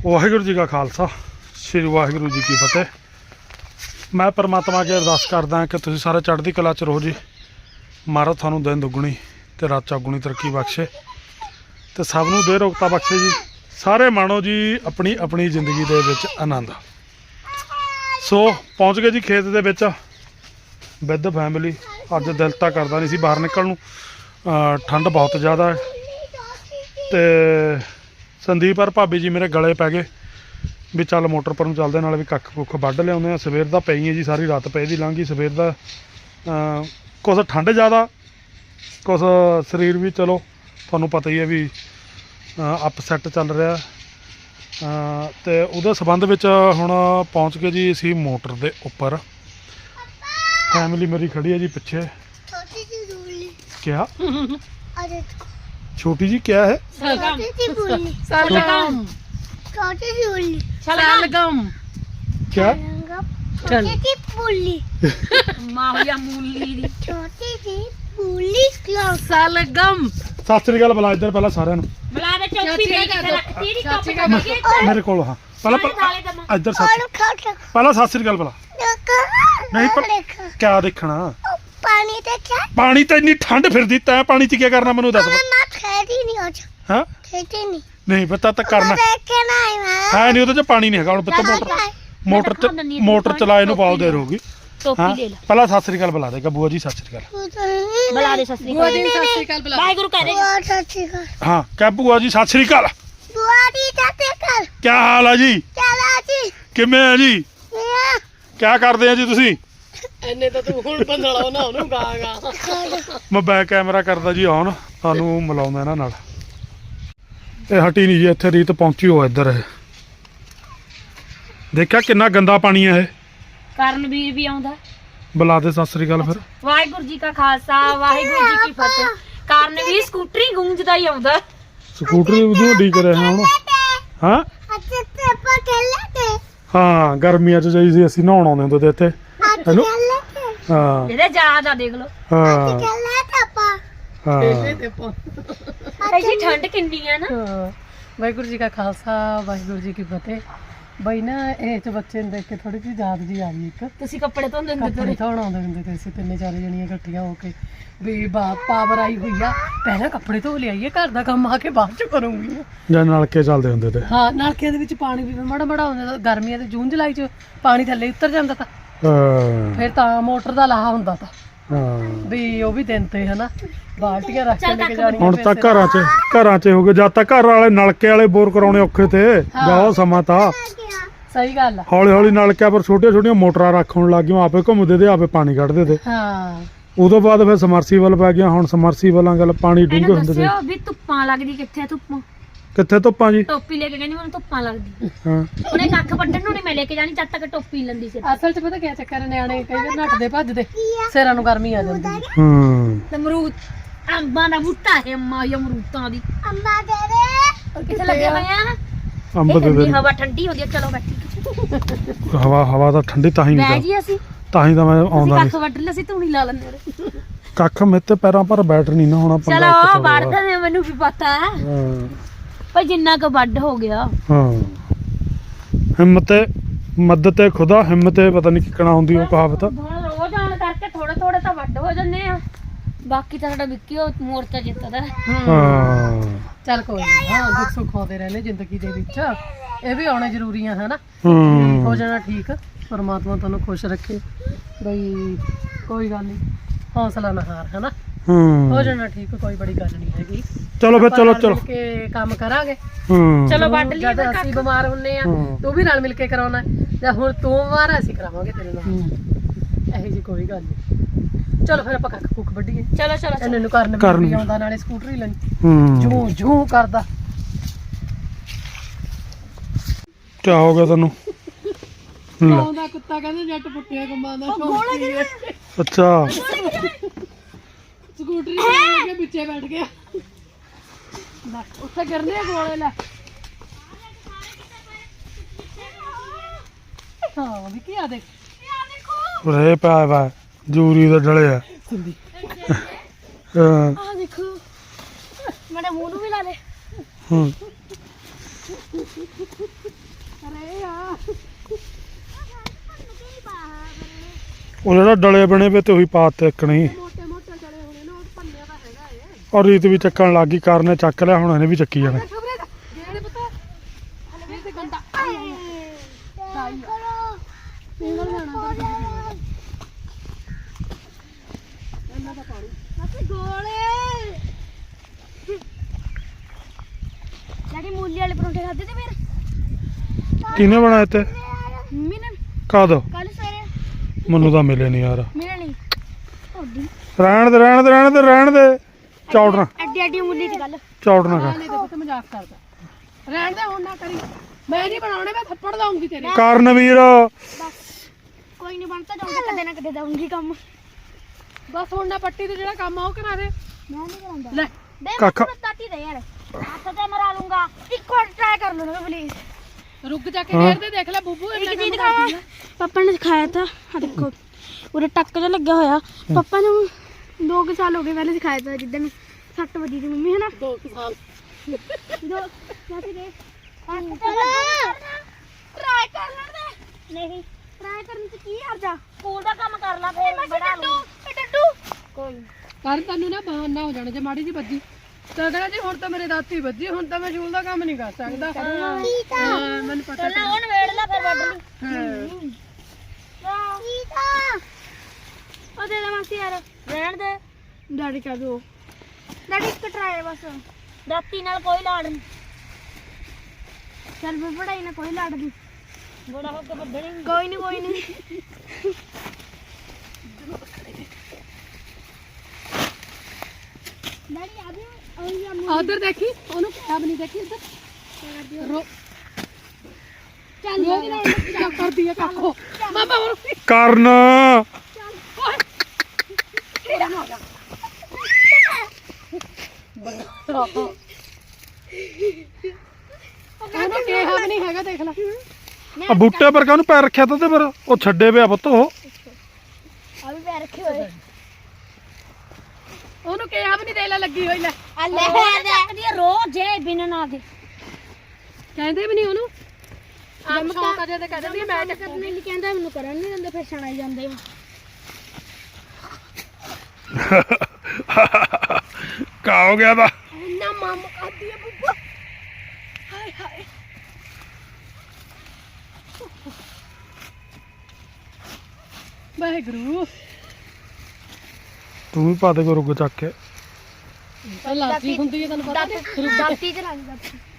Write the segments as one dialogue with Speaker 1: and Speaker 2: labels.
Speaker 1: ਵਾਹਿਗੁਰੂ ਜੀ ਕਾ ਖਾਲਸਾ ਸ੍ਰੀ ਵਾਹਿਗੁਰੂ ਜੀ ਕੀ ਫਤਿਹ। मैं परमात्मा अगे अरदास करदा कि तुसीं सारे चढ़दी कला च रहो जी। महाराज थानू दिन दुगनी ते रात चौगुनी तरक्की बख्शे ते सब नूं दे रोगता बख्शे जी। सारे माणो जी अपनी अपनी जिंदगी दे विच आनंद। सो पहुँच गए जी खेत दे विच विद फैमिली। अज दिल तां करदा नहीं सी बाहर निकलण नूं, ठंड बहुत ज़्यादा है ते संदीप और भाभी जी मेरे गले पै गए भी चल मोटर पर चलते नाल भी कख कुख वढ़ लिया। सवेर दा पई है जी, सारी रात पई दी लंघ गई। सवेर दा कुछ ठंड ज़्यादा कुछ शरीर भी चलो तुहानूं पता ही है भी अपसैट चल रहा तो उहदे संबंध विच हुण पहुँच गए जी असीं मोटर दे उपर। फैमिली मेरी खड़ी है जी पिछे। क्या छोटी जी क्या है?
Speaker 2: सलगम सलगम
Speaker 1: क्या
Speaker 2: छोटी सी पुली माहिया मूली दी छोटी सी पुली सलगम।
Speaker 1: सत श्री अकाल बुला इधर पहला सारिਆਂ ਨੂੰ
Speaker 2: बुला दे चौकी दे रखती दी टोपी
Speaker 1: मेरे को हाँ पहला इधर पहला सत श्री अकाल बुला। नहीं पर क्या देखना
Speaker 3: पानी देखा
Speaker 1: पानी तो इन्नी ठंड फिरदी तै पानी च क्या करना मैनू दस।
Speaker 3: मैं खेती नहीं हो
Speaker 1: हाँ
Speaker 3: खेती नहीं
Speaker 1: नहीं पता तक करना
Speaker 3: देखे नहीं मैं
Speaker 1: है नहीं ਉਹਦੇ ਚ ਪਾਣੀ ਨਹੀਂ ਹੈਗਾ। ਹੁਣ ਪੁੱਤ मोटर चलाए ਨੂੰ बहुत देर होगी।
Speaker 2: टोपी ले लो
Speaker 1: पहला सत श्री अकाल बुला देगा बुआ जी। सत श्री अकाल
Speaker 2: बुला दे सत श्री अकाल बुला वाहिगुरू कह दे
Speaker 3: बुआ चाची का
Speaker 1: हाँ क्या बुआ जी सत श्री अकाल।
Speaker 3: बुआ दी चाची का
Speaker 1: क्या हाल है जी?
Speaker 3: चला जी
Speaker 1: किमें है जी?
Speaker 3: मैं
Speaker 1: क्या करते हैं जी तुसी?
Speaker 2: ਐਨੇ ਤਾਂ ਤੂੰ ਹੁਣ ਬੰਦਲਾ ਨਾ ਉਹਨੂੰ ਗਾਗਾ
Speaker 1: मैं बैक कैमरा करदा जी ऑन ਤੁਹਾਨੂੰ ਮਿਲਾਉਂਦਾ ਇਹਨਾਂ ਨਾਲ। ਇਹ ਹਟੀ ਨਹੀਂ ਜੀ ਇੱਥੇ ਰੀਤ ਪਹੁੰਚੀ ਹੋ ਇੱਧਰ। ਇਹ ਦੇਖਿਆ ਕਿੰਨਾ ਗੰਦਾ ਪਾਣੀ ਹੈ ਇਹ।
Speaker 2: ਕਰਨਵੀਰ ਵੀ ਆਉਂਦਾ।
Speaker 1: ਬੁਲਾ ਦੇ ਸਤਿ ਸ੍ਰੀ ਅਕਾਲ ਫਿਰ।
Speaker 2: ਵਾਹਿਗੁਰੂ ਜੀ ਕਾ ਖਾਲਸਾ ਵਾਹਿਗੁਰੂ ਜੀ ਕੀ ਫਤਿਹ। ਕਰਨਵੀਰ ਸਕੂਟਰੀ ਗੂੰਜਦਾ ਹੀ ਆਉਂਦਾ।
Speaker 1: ਸਕੂਟਰੀ ਉਦੋਂ ਡੀ ਕਰਿਆ ਹੁਣ। ਹਾਂ
Speaker 3: अच्छे से पकड़ लेते
Speaker 1: ਹਾਂ ਗਰਮੀਆਂ 'ਚ ਜਾਈ ਸੀ ਅਸੀਂ ਨਹਾਉਣ ਆਉਂਦੇ ਹੁੰਦੇ ਤੇ ਇੱਥੇ ਹੈਲੋ।
Speaker 3: कर लेते
Speaker 1: ਹਾਂ
Speaker 2: ਇਹਦੇ ਯਾਦ ਆ ਦੇਖ ਲਓ
Speaker 1: ਹਾਂ
Speaker 3: कर लेते पा
Speaker 1: ਹਾਂ
Speaker 2: ਐਸੀ ਠੰਡ ਕਿੰਨੀ ਆ ਨਾ।
Speaker 4: ਵਾਹਿਗੁਰੂ ਜੀ ਕਾ ਖਾਲਸਾ ਵਾਹਿਗੁਰੂ ਜੀ ਕੀ ਫਤਿਹ। ਬਈ ਨਾ ਇਹ ਚ ਬੱਚੇ ਨੂੰ ਦੇਖ ਕੇ ਥੋੜੀ ਜਿਹੀ ਯਾਦ ਜੀ ਆ ਗਈ। ਇੱਕ
Speaker 2: ਤੁਸੀਂ ਕੱਪੜੇ ਧੋਂਦੇ ਹੁੰਦੇ
Speaker 4: ਕੱਪੜੇ ਧੋਣ ਆਉਂਦੇ ਹੁੰਦੇ ਤੇ ਅਸੀਂ ਤਿੰਨੇ ਚਾਰੇ ਜਣੀਆਂ ਇਕੱਠੀਆਂ ਹੋ ਕੇ ਵੀ ਪਾਵਰ ਆਈ ਹੋਈ ਆ ਪਹਿਲਾਂ ਕੱਪੜੇ ਧੋ ਲਿਆਈਏ ਘਰ ਦਾ ਕੰਮ ਆ ਕੇ ਬਾਅਦ ਚ ਕਰੂੰਗੀ।
Speaker 1: ਜਾਂ ਨਲਕੇ ਚੱਲਦੇ ਹੁੰਦੇ ਤੇ
Speaker 4: ਹਾਂ ਨਲਕਿਆਂ ਦੇ ਵਿੱਚ ਪਾਣੀ ਵੀ ਮਾੜਾ ਮਾੜਾ ਹੁੰਦਾ। ਗਰਮੀਆਂ ਦੇ ਜੂਨ ਜੁਲਾਈ ਚ ਪਾਣੀ ਥੱਲੇ ਉਤਰ ਜਾਂਦਾ ਤਾਂ
Speaker 1: ਹਾਂ
Speaker 4: ਫਿਰ ਤਾਂ ਮੋਟਰ ਦਾ ਲਾਹਾ ਹੁੰਦਾ ਤਾਂ
Speaker 1: ਹਾਂ
Speaker 4: ਵੀ ਉਹ ਵੀ ਦਿਨ ਤੇ ਹਨਾ ਬਾਲਟੀਆਂ ਰੱਖ ਕੇ ਲੈ ਕੇ ਜਾਣੀਆਂ।
Speaker 1: ਹੁਣ ਤਾਂ ਘਰਾਂ 'ਚ ਹੋ ਗਏ। ਜਦ ਤੱਕ ਘਰ ਵਾਲੇ ਨਲਕੇ ਵਾਲੇ ਬੋਰ ਕਰਾਉਣੇ ਔਖੇ ਤੇ ਬਹੁਤ ਸਮਾਂ ਤਾਂ
Speaker 4: ਸਹੀ ਗੱਲ ਆ।
Speaker 1: ਹੌਲੀ ਹੌਲੀ ਨਲਕਿਆਂ ਪਰ ਛੋਟੀਆਂ ਛੋਟੀਆਂ ਮੋਟਰਾਂ ਰੱਖਣ ਲੱਗ ਗਈਆਂ। ਆਪੇ ਘੁੰਮਦੇ ਤੇ ਆਪੇ ਪਾਣੀ ਕੱਢਦੇ ਤੇ
Speaker 4: ਹਾਂ
Speaker 1: ਉਦੋਂ ਬਾਅਦ ਫਿਰ ਸਮਰਸੀਬਲ ਪੈ ਗਿਆ। ਹੁਣ ਸਮਰਸੀਬਲਾਂ ਗੱਲ ਪਾਣੀ ਡੂੰਘੇ
Speaker 2: ਇਹਨੂੰ
Speaker 1: ਹੁੰਦੇ ਤੇ
Speaker 2: ਦੱਸਿਓ ਵੀ ਧੁੱਪਾਂ ਲੱਗਦੀ ਕਿੱਥੇ ਧੁੱਪਾਂ।
Speaker 1: ਕਿੱਥੇ ਧੁੱਪਾਂ ਜੀ?
Speaker 2: ਟੋਪੀ ਲੈ ਕੇ ਕਹਿੰਦੀ ਮੈਨੂੰ ਧੁੱਪਾਂ ਲੱਗਦੀ।
Speaker 1: ਹਾਂ
Speaker 2: ਉਹਨੇ ਕੱਖ ਵੱਢਣ ਨੂੰ ਨਹੀਂ ਮੈਂ ਲੈ ਕੇ ਜਾਣੀ ਜਦ ਤੱਕ ਟੋਪੀ ਲੈਂਦੀ ਸੀ।
Speaker 4: ਅਸਲ 'ਚ ਪਤਾ ਕੀ ਚੱਕਰ ਹੈ, ਨਿਆਣੇ ਕਈ ਵਾਰ ਨੱਠਦੇ ਭੱਜਦੇ ਸਿਰਾਂ ਨੂੰ ਗਰਮੀ ਆ ਜਾਂਦੀ ਹੈ।
Speaker 1: ਹਾਂ
Speaker 2: ਤੇ ਅਮਰੂਦ ਅੰਬਾਂ ਦਾ ਬੂਟਾ ਹੈ ਅਮਰੂਦਾਂ ਦੀ
Speaker 3: अम्मा दे दे
Speaker 2: ਕਿੱਥੇ ਲੱਗੇ ਹੋਏ ਆ।
Speaker 1: ਅੰਬ ਦੇ
Speaker 2: ਠੰਡੀ
Speaker 1: ਦਿਨ
Speaker 2: ਹਵਾ ਠੰਡੀ ਹੁੰਦੀ ਆ। ਚਲੋ ਬੈਠੀ
Speaker 1: ਹਵਾ ਤਾਂ ਠੰਡੀ ਤਾਂ ਹੀ
Speaker 2: ਬਹਿ
Speaker 1: ਨਹੀਂ
Speaker 2: ਜੀ ਅਸੀਂ
Speaker 1: ਤਾਂ ਹੀ ਤਾਂ ਮੈਂ
Speaker 2: ਅਸੀਂ
Speaker 1: ਆਉਂਦਾ
Speaker 2: ਕੱਖ
Speaker 1: ਨਹੀਂ।
Speaker 2: ਵੱਢ ਲਿਆ ਸੀ ਧੂਣੀ ਲਾ ਲੈਂਦੇ ਉਹਦੇ।
Speaker 1: ਕੱਖ ਮੇਤੇ ਪੈਰਾਂ ਪਰ ਬੈਠ ਨਹੀਂ ਨਾ ਹੋਣਾ ਪੰਗਾ ਇੱਕ
Speaker 2: ਚਲੋ
Speaker 1: ਤਾਂ
Speaker 2: ਵੱਢਦੇ ਨੇ ਮੈਨੂੰ ਵੀ ਪਤਾ ਹੈ
Speaker 1: ਹਾਂ
Speaker 2: ਪਰ ਜਿੰਨਾ ਕੁ ਵੱਢ ਹੋ ਗਿਆ।
Speaker 1: ਹਾਂ ਹਿੰਮਤ ਮਦਦ ਖੁਦਾ ਹਿੰਮਤ ਪਤਾ ਨਹੀਂ ਕਿਕਣਾ ਹੁੰਦੀ ਉਹ ਕਹਾਵਤ।
Speaker 2: ਹੁਣ ਰੋਜ਼ ਆਉਣ ਕਰਕੇ ਥੋੜੇ ਥੋੜੇ ਤਾਂ ਵੱਢ ਹੋ ਜਾਂਦੇ ਆ। ਬਾਕੀ ਤਾਂ ਸਾਡਾ ਵਿੱਕੀ ਉਹ ਮੋਰਚਾ ਜਿੱਤਦਾ।
Speaker 1: ਹਾਂ
Speaker 4: ਚੱਲ ਕੋਈ ਨੀ, ਹਾਂ ਦੁੱਖ ਸੁੱਖ ਆਉਂਦੇ ਰਹਿੰਦੇ ਜ਼ਿੰਦਗੀ ਦੇ ਵਿੱਚ। ਇਹ ਵੀ ਆਉਣੇ ਜ਼ਰੂਰੀ ਆ ਹਨਾ।
Speaker 1: ਹੂੰ
Speaker 4: ਹੋ ਜਾਣਾ ਠੀਕ। ਪਰਮਾਤਮਾ ਤੁਹਾਨੂੰ ਖੁਸ਼ ਰੱਖੇ। ਬਈ ਕੋਈ ਗੱਲ ਨਹੀਂ, ਹੌਸਲਾ ਨਾ ਹਾਰ ਹਨਾ।
Speaker 1: ਹੂੰ
Speaker 4: ਹੋ ਜਾਣਾ ਠੀਕ, ਕੋਈ ਬੜੀ ਗੱਲ ਨਹੀਂ ਹੈਗੀ।
Speaker 1: ਚਲੋ ਫਿਰ
Speaker 4: ਆਪਾਂ
Speaker 1: ਚਲੋ
Speaker 4: ਰਲ
Speaker 1: ਚਲੋ
Speaker 4: ਮਿਲ ਕੇ ਕੰਮ ਕਰਾਂਗੇ।
Speaker 1: ਹੂੰ
Speaker 2: ਚਲੋ ਵੱਢ ਲਈਏ
Speaker 4: ਜਦ
Speaker 2: ਫਿਰ
Speaker 4: ਅਸੀਂ ਬਿਮਾਰ ਹੁੰਨੇ ਆ
Speaker 1: ਹਾਂ।
Speaker 4: ਤੂੰ ਵੀ ਰਲ ਮਿਲ ਕੇ ਕਰਾਉਣਾ ਜਾਂ ਹੁਣ ਤੂੰ ਬਿਮਾਰ ਆ ਅਸੀਂ ਕਰਾਵਾਂਗੇ ਤੇਰੇ ਨਾਲ। ਇਹੋ ਜੀ ਕੋਈ ਗੱਲ ਨਹੀਂ। ਚਲੋ ਫਿਰ ਆਪਾਂ ਕੱਖ ਕੁੱਖ ਵੱਢੀਏ।
Speaker 2: ਚਲੋ ਚਲੋ
Speaker 4: ਇਹਨਾਂ ਨੂੰ ਕਰਨ
Speaker 1: ਕਰਨ
Speaker 4: ਵੀ ਆਉਂਦਾ ਨਾਲੇ ਸਕੂਟਰੀ ਲੈਣੀ
Speaker 1: ਹੂੰ
Speaker 4: ਜੂ ਜੂ ਕਰਦਾ।
Speaker 1: ਕੀ ਹੋ ਗਿਆ ਤੈਨੂੰ? ਲੈ,
Speaker 4: ਆਉਂਦਾ ਕੁੱਤਾ ਕਹਿੰਦੇ ਜੱਟ ਪੁੱਟਿਆ ਕੰਮਾਂ ਦਾ
Speaker 1: ਅੱਛਾ
Speaker 4: ਸਕੂਟਰੀ ਲੈ ਕੇ ਪਿੱਛੇ ਬੈਠ ਗਿਆ। ਲੈ ਉੱਥੇ ਗਿਰਨੇ ਆ ਗੋਲੇ। ਲੈ ਹਾਂ ਵੀ ਕੀ ਆ ਦੇਖ
Speaker 1: ਰੇ ਪਿਆ ਵਾ ਜੂਰੀ ਦਾ ਡਲਿਆ।
Speaker 4: ਸਿੰਦੀ
Speaker 1: ਹਾਂ
Speaker 2: ਆ ਦੇਖੋ ਮੇਰੇ ਮੂੰਹ ਨੂੰ ਵੀ ਲਾ ਲੈ।
Speaker 1: ਹੂੰ
Speaker 4: ਅਰੇ ਆ
Speaker 1: ਉਹ ਜਿਹੜਾ ਡਲੇ ਬਣੇ ਵੇ ਤੇ ਉਹੀ ਪਾਤੇ ਇੱਕਣੀ
Speaker 4: ਮੋਟੇ ਮੋਟੇ ਚਲੇ ਹੋਣੇ ਨੇ ਉਹ ਭੰਨਿਆ ਤਾਂ ਹੈਗਾ ਏ
Speaker 1: ਔਰ ਰੀਤ ਵੀ ਚੱਕਣ ਲੱਗ ਗਈ ਕਰਨੇ ਚੱਕ ਲਿਆ ਹੁਣ ਇਹਨੇ ਵੀ ਚੱਕੀ ਜਾਣਾ
Speaker 4: ਖਬਰੇ ਜਿਹੜੇ ਪਤਾ ਹਲੇ ਤੇ ਗੰਦਾ
Speaker 3: ਕਰੋ
Speaker 4: ਸਿੰਗਲ ਜਾਣਾ ਤਾਂ ਇਹਨਾਂ ਦਾ ਪਾਣੀ
Speaker 2: ਅਸੀਂ ਗੋਲੇ ਡੈਡੀ ਮੂਲੀ ਵਾਲੇ ਪਰੌਂਠੇ ਖਾਦੇ ਤੇ ਫਿਰ
Speaker 1: ਕਿਹਨੇ ਬਣਾਏ ਤੇ
Speaker 2: ਮੰਮੀ ਨੇ
Speaker 1: ਕਦ
Speaker 2: ਕੱਲ ਸਵੇਰੇ
Speaker 1: ਮੈਨੂੰ ਤਾਂ ਮਿਲੇ ਨਹੀਂ ਯਾਰ
Speaker 2: ਮੇਰੇ ਨਹੀਂ ਤੁਹਾਡੀ
Speaker 1: ਰਹਿਣ ਦੇ ਚੌੜਨਾ
Speaker 2: ਐਡੀ ਐਡੀ ਮੂਲੀ ਦੀ ਗੱਲ
Speaker 1: ਚੌੜਨਾ
Speaker 4: ਹਾਂ
Speaker 1: ਕਰ
Speaker 4: ਨਹੀਂ ਦੇਖੋ ਤੇ ਮਜ਼ਾਕ ਕਰਦਾ ਰਹਿਣ ਦੇ ਹੁਣ ਨਾ ਕਰੀ ਮੈਂ ਨਹੀਂ ਬਣਾਉਣੇ ਮੈਂ ਥੱਪੜ ਲਾਉਂਗੀ ਤੇਰੇ
Speaker 1: ਕਰਨਵੀਰ
Speaker 2: ਬਸ ਕੋਈ ਨਹੀਂ ਬਣਤਾ ਜਾਊਂਗਾ ਕਦੇ ਨਾ ਕਦੇ ਦਊਂਗੀ ਕੰਮ
Speaker 4: ਬਸ ਹੁਣ ਨਾ ਪੱਟੀ ਤੇ ਜਿਹੜਾ ਕੰਮ ਆ ਉਹ ਕਰਾ ਦੇ
Speaker 2: ਮੈਂ ਨਹੀਂ ਕਰਾਂਦਾ
Speaker 4: ਲੈ
Speaker 2: ਦੇ
Speaker 1: ਕਾਕਾ।
Speaker 2: ਮੈਂ ਤਾਤੀ ਦੇ ਯਾਰ ਹੱਥ ਤੇ ਮਰਾ ਲੂੰਗਾ ਇੱਕ ਵਾਰ ਟਰਾਈ ਕਰ ਲਓ ਨਾ ਪਲੀਜ਼
Speaker 4: ਰੁਕ ਜਾ ਕੇ ਫੇਰ ਦੇ ਦੇਖ ਲੈ ਬੁੱਬੂ ਇੰਨਾ
Speaker 2: ਇੱਕ
Speaker 4: ਕੰਮ
Speaker 2: ਚੀਜ਼
Speaker 4: ਕਰਦੀ ਆ
Speaker 2: ਪਾਪਾ ਨੇ ਸਿਖਾਇਆ ਤਾਂ ਆ ਦੇਖੋ ਉਹਦੇ ਟੱਕ ਜਿਹਾ ਲੱਗਿਆ ਹੋਇਆ ਪਾਪਾ ਨੇ 2 ਸਾਲ ਹੋ ਗਏ ਪਹਿਲੇ ਸਿਖਾਇਆ ਤਾਂ ਜਿੱਦਣ ਸੱਟ ਵੱਜੀ ਸੀ ਮੰਮੀ ਹੈ ਨਾ
Speaker 4: 2 ਸਾਲ
Speaker 2: ਦੋ ਮਾਸੀ ਦੇ ਟਰਾਈ ਕਰ ਲੈਣ ਦੇ ਨਹੀਂ ਟਰਾਈ ਕਰਨ ਚ ਕੀ ਹਰਜਾ ਸਕੂਲ ਦਾ ਕੰਮ ਕਰ ਲਾ ਫੇਰ ਬਣਾ ਲੂ ਡੱਡੂ ਕੋਈ
Speaker 4: ਕਰ ਤੈਨੂੰ ਨਾ ਬਹਾਨਾ ਹੋ ਜਾਣਾ ਜੇ ਮਾੜੀ ਜੀ ਵੱਜੀ ਤਾਂ ਕਹਿੰਦਾ ਜੀ ਹੁਣ ਤਾਂ ਮੇਰੇ ਦਾਤੀ ਵੱਜੀ ਹੁਣ ਤਾਂ ਮੈਂ ਸ਼ੂਲ ਦਾ ਕੰਮ ਨਹੀਂ ਕਰ ਸਕਦਾ ਹਾਂ ਮੈਨੂੰ ਪਤਾ
Speaker 2: ਪਹਿਲਾਂ ਉਹਨ ਵੇੜ ਲੈ ਫਿਰ ਵੱਢ ਲਈ
Speaker 4: ਹਾਂ
Speaker 3: ਠੀਕ ਆ
Speaker 2: ਉਹ ਦੇ ਦੇ ਮਾਸੀ ਯਾਰ ਰਹਿਣ ਦੇ ਡੈਡੀ ਕਹ ਦੋ ਡੈਡੀ ਇੱਕ ਟਰਾਈ ਬਸ ਦਾਤੀ ਨਾਲ ਕੋਈ ਲਾੜ ਨਹੀਂ ਚੱਲ ਵੀ ਪੜਾਈ ਨਾਲ ਕੋਈ ਲਾੜ ਨਹੀਂ ਬੜਾ ਹੋ ਕੇ ਵੱਢਣੀ ਕੋਈ ਨਹੀਂ ਡੈਡੀ ਆ ਵੀ
Speaker 4: ਉਧਰ ਦੇਖੀ ਉਹਨੂੰ ਕਿਹਾ ਵੀ ਨਹੀਂ ਦੇਖੀ ਇੱਧਰ ਰੋ
Speaker 2: ਚੱਲ
Speaker 4: ਕੀ ਕਰਦੀ ਆ ਕਾਕੋ ਮਾਮਾ ਹੋਰ
Speaker 1: ਕਰਨ
Speaker 4: ਉਹਨੂੰ ਕਿਹਾ ਵੀ ਨਹੀਂ ਹੈਗਾ ਦੇਖ ਲੈ
Speaker 1: ਆ ਬੂਟੇ ਪਰ ਕਾਹਨੂੰ ਪੈਰ ਰੱਖਿਆ ਤਾ ਤੇ ਪਰ ਉਹ ਛੱਡੇ ਪਿਆ ਪੁੱਤ ਉਹ
Speaker 2: ਆ ਵੀ ਪੈਰ ਰੱਖੇ ਹੋਏ
Speaker 4: ਉਹਨੂੰ ਕਿਹਾ ਵੀ ਨਹੀਂ ਦੇ ਲੈ ਲੱਗੀ ਹੋਈ ਲੈ
Speaker 2: ਆ ਲੈ ਚੱਕਦੀ ਰੋਜ਼ ਜੇ ਬਿਨ ਨਾ ਦੇ
Speaker 4: ਕਹਿੰਦੇ ਵੀ ਨਹੀਂ ਉਹਨੂੰ ਆਪ ਸ਼ੌਂਕ ਅਜੇ ਤੇ ਕਹਿੰਦੇ ਵੀ ਮੈਂ
Speaker 2: ਕਰਨ ਨਹੀਂ ਕਹਿੰਦਾ ਮੈਨੂੰ ਕਰਨ ਨਹੀਂ ਦਿੰਦੇ ਫਿਰ ਛਣਾਈ ਜਾਂਦੇ
Speaker 1: ਕਾ ਹੋ ਗਿਆ ਤਾ
Speaker 2: ਨਾ ਮਾਮ ਕਰਦੀ ਆ ਬੁੱਬਾ ਹਾਏ ਹਾਏ
Speaker 4: ਵਾਹਿਗੁਰੂ
Speaker 1: ਤੂੰ ਵੀ ਪਾ ਦੇ ਕੋ ਰੁੱਗ ਚੱਕ ਕੇ
Speaker 4: ਲਾਤੀ ਹੁੰਦੀ ਹੈ ਤੈਨੂੰ ਪਤਾ
Speaker 2: ਦਾਤੀ ਤੇ ਰੰਗ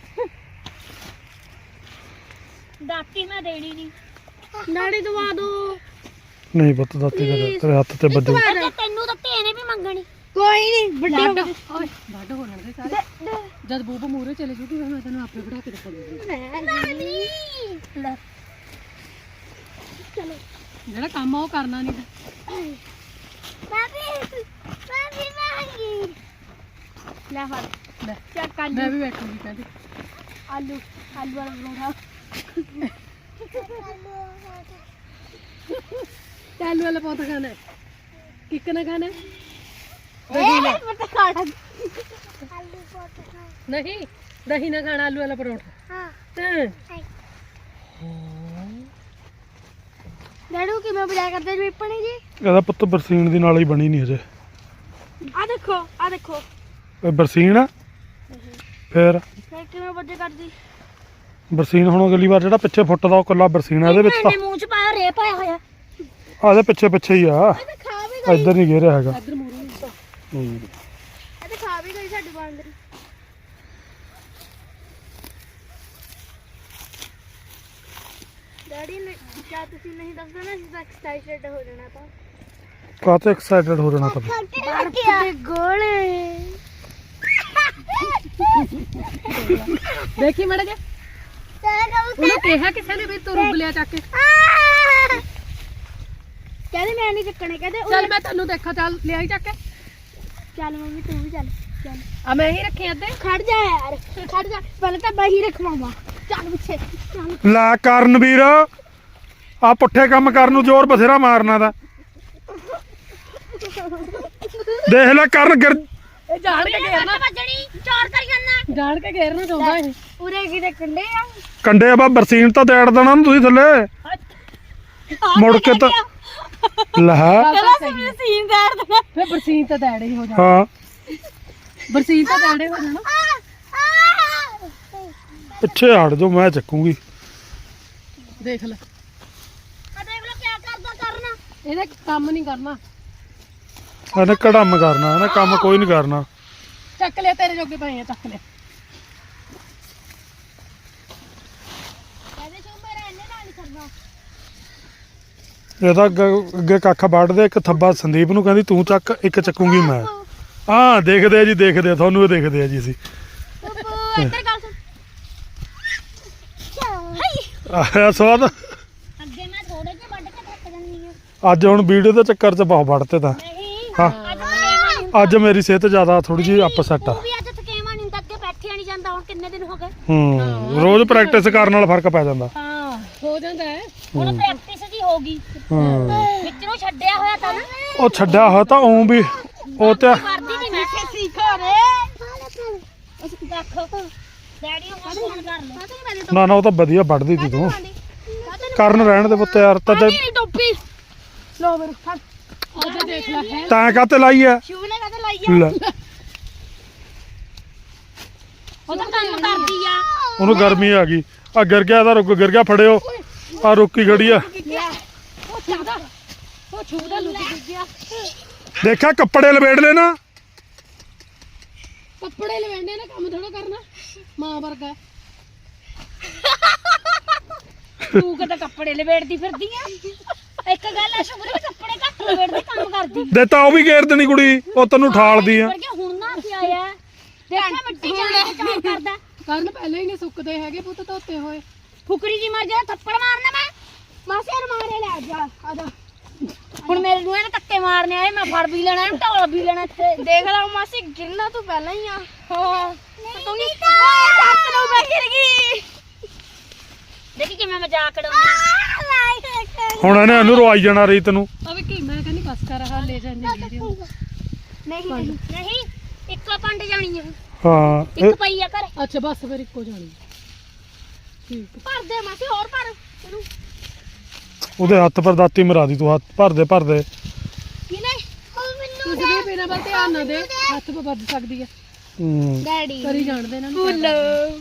Speaker 2: ਦਾਤੀ ਮੈਂ ਦੇਣੀ ਨਹੀਂ ਨਾੜੀ ਦਵਾ ਦੋ
Speaker 1: ਨਹੀਂ ਪੁੱਤ ਦਾਤੀ ਤੇਰੇ ਹੱਥ ਤੇ ਵੱਜੂ
Speaker 2: ਤੈਨੂੰ ਤਾਂ ਤੇਨੇ ਵੀ ਮੰਗਣੀ ਕੋਈ ਨਹੀਂ ਵੱਡੇ
Speaker 4: ਓਏ ਵੱਡ ਹੋ ਜਾਣਗੇ ਸਾਰੇ ਜਦ ਬੂਬ ਮੂਰੇ ਚਲੇ ਜੂਗੀ ਫਿਰ ਮੈਂ ਤੈਨੂੰ ਆਪੇ ਬਣਾ ਕੇ ਦਿਖਾਉਂਗੀ
Speaker 2: ਚਲੋ
Speaker 4: ਜਿਹੜਾ ਕੰਮ ਆ ਉਹ ਕਰਨਾ ਨਹੀਂ
Speaker 3: ਬਾਬੀ ਮੰਗੀ
Speaker 2: ਲੈ ਫੜ
Speaker 4: ਲੈ
Speaker 2: ਚੱਕ ਕਰ
Speaker 4: ਮੈਂ ਵੀ ਬੈਠੂਗੀ ਕਹਿੰਦੀ
Speaker 2: ਆਲੂ ਵਾਲਾ ਪਰੌਂਠਾ
Speaker 4: ਆਲੂ ਵਾਲਾ ਪੌਂਠਾ ਖਾਣਾ ਹੈ ਕਿੱਕ ਨਾ ਖਾਣਾ ਹੈ?
Speaker 2: ਮੈਂ ਤਾਂ ਖਾਣਾ
Speaker 3: ਆਲੂ ਬਹੁਤ ਖਾ
Speaker 4: ਨਹੀਂ ਦਹੀਂ ਨਾ ਖਾਣਾ ਆਲੂ ਵਾਲਾ ਪਰੌਂਠਾ
Speaker 3: ਹਾਂ
Speaker 4: ਹਾਂ
Speaker 2: ਡੈਡੂ ਕਿਵੇਂ ਬਜਾ ਕਰਦੇ ਜੀ ਪਣੀ ਜੀ
Speaker 1: ਇਹਦਾ ਪੁੱਤ ਬਰਸੀਨ ਦੀ ਨਾਲ ਹੀ ਬਣੀ ਨਹੀਂ ਅਜੇ
Speaker 2: ਆ ਦੇਖੋ
Speaker 1: ਇਹ ਬਰਸੀਨ ਆ ਫੇਰ
Speaker 2: ਫਿਰ ਕਿਵੇਂ ਵਜੇ ਕਰਦੀ
Speaker 1: ਬਰਸੀਨ ਹੁਣ ਅਗਲੀ ਵਾਰ ਜਿਹੜਾ ਪਿੱਛੇ ਫੁੱਟਦਾ ਉਹ ਕੱਲਾ ਬਰਸੀਨ ਆ ਇਹਦੇ ਵਿੱਚ ਤਾਂ
Speaker 2: ਇਹਨੇ ਮੂੰਹ ਚ ਪਾਇਆ ਰੇ ਪਾਇਆ ਹੋਇਆ
Speaker 1: ਆ ਇਹਦੇ ਪਿੱਛੇ ਹੀ ਆ
Speaker 2: ਇਹ ਤਾਂ ਖਾ ਵੀ
Speaker 1: ਇੱਧਰ ਨਹੀਂ ਘੇਰਿਆ ਹੈਗਾ
Speaker 4: ਇੱਧਰ ਮੂਰੇ
Speaker 1: ਹੂੰ।
Speaker 2: ਇਹ ਤਾਂ ਖਾ ਵੀ ਗਈ ਸਾਡੀ ਬਾਂਦਰੀ ਡੈਡੀ ਨੇ ਕਿਹਾ ਤੁਸੀਂ ਨਹੀਂ ਦੱਸਦੇ ਨਾ ਅਸੀਂ ਤਾਂ ਐਕਸਾਈਟਡ ਹੋ ਜਾਣਾ ਤਾਂ
Speaker 1: ਕਾਹਤੇ ਐਕਸਾਈਟਡ ਹੋ ਜਾਣਾ ਤਾਂ
Speaker 2: ਦੇ ਗੋਲੇ
Speaker 4: ਦੇਖੀ ਮੜਾ ਜੇ ਉਹਨੂੰ ਕਿਹਾ ਕਿਸੇ ਨੇ ਵੀ ਤੂੰ ਰੁੱਗ ਲਿਆ ਚੱਕ ਕੇ
Speaker 2: ਕਹਿੰਦੇ ਮੈਂ ਨਹੀਂ ਚੱਕਣੇ ਕਹਿੰਦੇ
Speaker 4: ਚੱਲ ਮੈਂ ਤੈਨੂੰ ਦੇਖਾਂ ਚੱਲ ਲਿਆਈ ਚੱਕ ਕੇ
Speaker 2: ਚੱਲ ਮੰਮੀ ਤੂੰ ਵੀ ਚੱਲ ਚੱਲ
Speaker 4: ਆ ਮੈਂ ਹੀ ਰੱਖੀ ਅੱਧੇ
Speaker 2: ਖੜ ਜਾ ਯਾਰ ਖੜ ਜਾ ਪਹਿਲਾਂ ਤਾਂ ਬਾਹੀ ਰੱਖਵਾਵਾਂ ਚੱਲ ਪਿੱਛੇ ਚੱਲ
Speaker 1: ਲੈ ਕਰਨਵੀਰ ਆ ਪੁੱਠੇ ਕੰਮ ਕਰਨ ਨੂੰ ਜ਼ੋਰ ਬਥੇਰਾ ਮਾਰਨਾ ਦਾ ਦੇਖ ਲੈ ਕਰਨ
Speaker 4: ਇਹ ਜਾਣ ਕੇ ਘੇਰਨਾ
Speaker 2: ਵੱਜਣੀ ਚਾਰ ਕਰੀ ਜਾਂਦਾ
Speaker 4: ਜਾਣ ਕੇ ਘੇਰਨਾ ਚਾਹੁੰਦਾ ਇਹ
Speaker 2: ਉਰੇ ਕਿਤੇ ਕੰਡੇ ਆ
Speaker 1: ਕੰਡੇ ਆ ਬਾ ਬਰਸੀਨ ਤਾਂ ਦੇੜ ਦੇਣਾ ਨੂੰ ਤੁਸੀਂ ਥੱਲੇ ਮੁੜ ਕੇ ਤਾਂ ਲੈ
Speaker 2: ਕਹਿੰਦਾ ਸੀ ਸੀਨ ਕਰ ਦੇਣਾ
Speaker 4: ਫੇ ਬਰਸੀਨ ਤਾਂ ਦੈੜੇ ਹੀ ਹੋ ਜਾਣਾ
Speaker 1: ਹਾਂ
Speaker 4: ਬਰਸੀਨ ਤਾਂ ਦੈੜੇ ਹੋ ਜਾਣਾ
Speaker 1: ਪਿੱਛੇ ਹਟ ਜਾਓ ਮੈਂ ਚੱਕੂਗੀ
Speaker 4: ਦੇਖ ਲੈ
Speaker 2: ਆ ਦੇਖ ਲੋ ਕੀ ਕਰਦਾ ਕਰਨਾ
Speaker 4: ਇਹਨੇ ਕੰਮ ਨਹੀਂ ਕਰਨਾ
Speaker 1: ਇਹਨੇ ਕੜਮ ਕਰਨਾ ਇਹਨੇ ਕੰਮ ਕੋਈ ਨਹੀਂ ਕਰਨਾ
Speaker 4: ਚੱਕ ਲਿਆ ਤੇਰੇ ਜੋਗੇ ਪਏ ਆ ਚੱਕ ਲਿਆ
Speaker 2: ਕਹਿੰਦੇ ਸ਼ੋ ਮੇਰਾ ਇਹਨੇ ਨਾਲ ਨਹੀਂ ਕਰਨਾ
Speaker 1: ਇਹਦਾ ਅੱਗੇ ਕੱਖ ਵੱਢਦੇ ਇੱਕ ਥੱਬਾ ਸੰਦੀਪ ਨੂੰ ਕਹਿੰਦੀ ਤੂੰ ਚੱਕ ਇੱਕ ਚੱਕੂਗੀ ਮੈਂ ਹਾਂ ਦੇਖਦੇ ਆ ਜੀ ਦੇਖਦੇ ਆ ਤੁਹਾਨੂੰ ਇਹ ਦੇਖਦੇ ਆ ਜੀ ਅਸੀਂ
Speaker 2: ਬੱਬੂ ਇੱਧਰ ਗੱਲ ਸੁਣ
Speaker 1: ਆਇਆ ਸਵਾਦ
Speaker 2: ਅੱਗੇ ਮੈਂ ਥੋੜੇ ਜਿਹੇ ਵੱਢ ਕੇ ਥੱਕ ਜਾਂਦੀ ਆ
Speaker 1: ਅੱਜ ਹੁਣ ਵੀਡੀਓ ਦੇ ਚੱਕਰ 'ਚ ਬਹੁਤ ਵੱਢਤੇ ਤਾਂ
Speaker 2: ਨਹੀਂ
Speaker 1: ਹਾਂ
Speaker 2: ਅੱਜ ਥਕੇਵਾਂ ਨਹੀਂ
Speaker 1: ਅੱਜ ਮੇਰੀ ਸਿਹਤ ਜ਼ਿਆਦਾ ਥੋੜੀ ਜਿਹੀ ਅਪਸੈਟ ਆ
Speaker 2: ਤੂੰ ਵੀ ਅੱਜ ਥਕੇਵਾਂ ਨਹੀਂ ਤਾਂ ਅੱਗੇ ਬੈਠਿਆ ਨਹੀਂ ਜਾਂਦਾ ਹੁਣ ਕਿੰਨੇ ਦਿਨ ਹੋ ਗਏ
Speaker 1: ਰੋਜ਼ ਪ੍ਰੈਕਟਿਸ ਕਰਨ ਨਾਲ ਫਰਕ ਪੈ ਜਾਂਦਾ
Speaker 4: ਹਾਂ ਹੋ ਜਾਂਦਾ ਹੈ
Speaker 2: ਹੁਣ ਪ੍ਰੈਕਟਿਸ ਜੀ ਹੋ ਗਈ
Speaker 1: ਹਾਂ
Speaker 2: ਵਿੱਚ ਨੂੰ ਛੱਡਿਆ ਹੋਇਆ ਤਾਂ ਨਾ
Speaker 1: ਉਹ ਛੱਡਿਆ ਹੋਇਆ ਤਾਂ ਉਹ ਵੀ ਉਹ ਤੇ
Speaker 2: ਕਰਦੀ ਨਹੀਂ ਮੈਂ ਸਿੱਖੋ ਰੇ ਉਸ ਦੇਖੋ ਡੈਡੀ ਨੂੰ ਫੋਨ ਕਰ ਲੈ
Speaker 1: ਨਾ ਨਾ ਉਹ ਤਾਂ ਵਧੀਆ ਵੱਢਦੀ ਸੀ ਤੂੰ ਕਰਨ ਰਹਿਣ ਦੇ ਪੁੱਤ ਯਾਰ ਤਾਂ
Speaker 2: ਨਹੀਂ ਟੋਪੀ ਲੋ ਮੇਰੇ ਫੜ
Speaker 4: ਉਹਦੇ ਦੇਖ ਲੈ ਹੈ
Speaker 1: ਤਾਂ ਕਾਤੇ ਲਾਈ ਆ
Speaker 2: ਸ਼ੂ ਨੇ ਕਦੇ ਲਾਈ
Speaker 1: ਲੈ
Speaker 2: ਉਹ ਤਾਂ ਕੰਮ ਕਰਦੀ ਆ
Speaker 1: ਉਹਨੂੰ ਗਰਮੀ ਆ ਗਈ ਆ ਗਿਰ ਗਿਆ ਇਹਦਾ ਰੁਕ ਗਿਰ ਗਿਆ ਫੜਿਓ ਆ ਰੁਕੀ ਖੜੀ ਆ
Speaker 4: ਉਹ ਛੂਦਾ ਉਹ ਛੂਦਾ ਲੁੱਟ ਗਿਆ
Speaker 1: ਦੇਖਿਆ ਕੱਪੜੇ ਲਵੇੜ ਲੈਣਾ
Speaker 4: ਕੱਪੜੇ ਲਵੇਂਡੇ ਨੇ ਕੰਮ ਥੋੜਾ ਕਰਨਾ ਮਾਂ ਵਰਗਾ
Speaker 2: ਤੂੰ ਕਿਤੇ ਕੱਪੜੇ ਲਵੇੜਦੀ ਫਿਰਦੀ ਆ ਇੱਕ ਗੱਲ ਆ ਸ਼ੁਕਰ ਵੀ ਕੱਪੜੇ ਘੱਟ ਲਵੇੜਦੀ ਕੰਮ ਕਰਦੀ
Speaker 1: ਦੇ ਤਾਂ ਉਹ ਵੀ ਗੇਰ ਦੇਣੀ ਕੁੜੀ ਉਹ ਤੈਨੂੰ ਠਾਲਦੀ ਆ
Speaker 2: ਵਰਗੇ ਹੁਣ ਨਾ ਪਿਆ ਆ ਦੇਖਿਆ ਮਿੱਟੀ ਚ ਚਾਰ ਕਰਦਾ
Speaker 4: ਕਰਨ ਪਹਿਲਾਂ ਹੀ ਨਹੀਂ ਸੁੱਕਦੇ ਹੈਗੇ ਪੁੱਤ ਧੋਤੇ ਹੋਏ
Speaker 2: ਫੁਕਰੀ ਜੀ ਮਾਰ ਜਾ ਥੱਪੜ ਮਾਰਨਾ ਮੈਂ ਮਾਸੇ ਮਾਰੇ ਲੈ ਜਾ ਆਦਾ ਹੁਣ ਮੇਰੇ ਨੂੰ ਇਹਨੇ ਧੱਕੇ ਮਾਰਨੇ ਆਏ ਮੈਂ ਫੜ ਵੀ ਲੈਣਾ ਢੋਲ ਵੀ ਲੈਣਾ ਇੱਥੇ ਦੇਖ ਲਾ ਮਾਸੀ ਗਿਰਨਾ ਤੂੰ ਪਹਿਲਾਂ ਹੀ ਆ ਹਾਂ ਤੂੰ ਨਹੀਂ ਚੱਕ ਲਓ ਮੈਂ ਗਿਰ ਗਈ ਦੇਖੀ ਕਿਵੇਂ ਮਜ਼ਾਕ ਉਡਾਉਂਦੀ
Speaker 1: ਹੁਣ ਇਹਨੇ ਇਹਨੂੰ ਰਵਾਈ ਜਾਣਾ ਰੀਤ ਨੂੰ
Speaker 4: ਅਵੇ ਕੀ ਮੈਂ ਕਹਿੰਦੀ ਬਸ ਕਰ ਹਾਂ ਲੈ ਜਾਂਦੇ ਵੀਡੀਓ
Speaker 2: ਨਹੀਂ ਨਹੀਂ ਇੱਕੋ ਪੰਡ ਜਾਣੀ ਆ
Speaker 1: ਹਾਂ
Speaker 2: ਇੱਕ ਪਈ ਆ ਘਰੇ
Speaker 4: ਅੱਛਾ ਬਸ ਫਿਰ ਇੱਕੋ ਜਾਣੀ ਠੀਕ
Speaker 2: ਭਰ ਦੇ ਮਾਸੀ ਹੋਰ ਭਰ ਇਹਨੂੰ
Speaker 1: ਉਹਦੇ ਹੱਥ ਪਰ ਦਾਤੀ ਮਰਾ ਦੀ ਤੂੰ ਹੱਥ ਭਰਦੇ ਭਰਦੇ
Speaker 2: ਕਿਨੇ
Speaker 4: ਤੁਸੀਂ ਵੀ ਬਿਨਾਂ ਵੱਲ ਧਿਆਨ ਨਾ ਦੇ ਹੱਥ ਪਾ ਵੱਜ ਸਕਦੀ ਆ
Speaker 2: ਡੈਡੀ
Speaker 4: ਕਰੀ ਜਾਣਦੇ ਇਹਨਾਂ ਨੂੰ
Speaker 2: ਫੁੱਲ